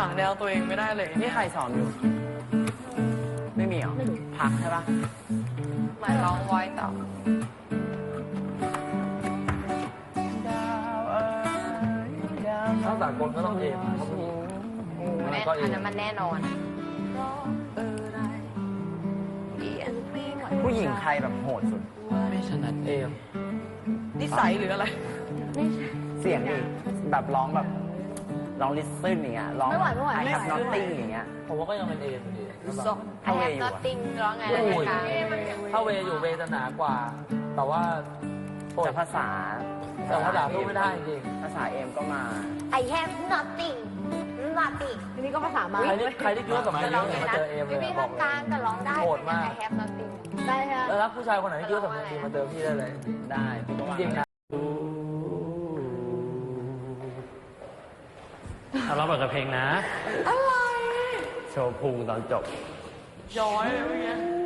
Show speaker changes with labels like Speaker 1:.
Speaker 1: างแนวตัวเองไม่ได้เลย
Speaker 2: นี่ใครสอนอยู่ ไม่มีเหรอพักใช่ปะ
Speaker 1: หมายร้องไว้ต่อ
Speaker 3: ถ้าสากลก็ต้องเอมเขาผู้หญิง
Speaker 4: อันนั้นมันแน่นอน
Speaker 2: ผู้หญิงใครแบบโหดสุด
Speaker 3: ไม่ถนัดเอม
Speaker 1: นิสัยหรืออะไร
Speaker 2: เสียงดิแบบร้องแบบร้องลิสซึนอย่างเงี้ยร้อง
Speaker 4: ไม่ไหว
Speaker 2: ไอแฮปนอตติ้งอย่างเงี้ย
Speaker 3: ผมว่าก็ยังเป็นเอมอยู่ดีแล้วแบบ
Speaker 4: ไอแฮปนอตติ้งร้องไงล่ะคะ
Speaker 3: ถ้าเวอยู่เวจะหนากว่า แต่ว่า
Speaker 2: แต่ภาษา
Speaker 3: แต่ภาษาพูดไม่ได้จริง
Speaker 2: ภาษาเอมก็มา
Speaker 4: ไอแฮปนอตติ้งทีนี้ก็ภาษามา
Speaker 3: ใครที่คิดว่าสำเนียงดีมาเจอเอมเลย
Speaker 4: พี่
Speaker 3: บอกเล
Speaker 4: กลาง
Speaker 3: ย
Speaker 4: แต่ร้องได้
Speaker 3: โหดมาก
Speaker 4: ไอแฮปนอตติ้งได้ฮะ
Speaker 3: แล้วรักผู้ชายคนไหนที่คิดว่าสำเนียงดีมาเจอพี่ได้เลย
Speaker 2: ได้พี่ก็ว่า
Speaker 3: จริงๆนะ
Speaker 5: เอาเราเปิดกับเพลงนะ
Speaker 1: อะไร
Speaker 2: โชว์พุงตอนจบ
Speaker 1: ย้อยเลยเมื่อกี้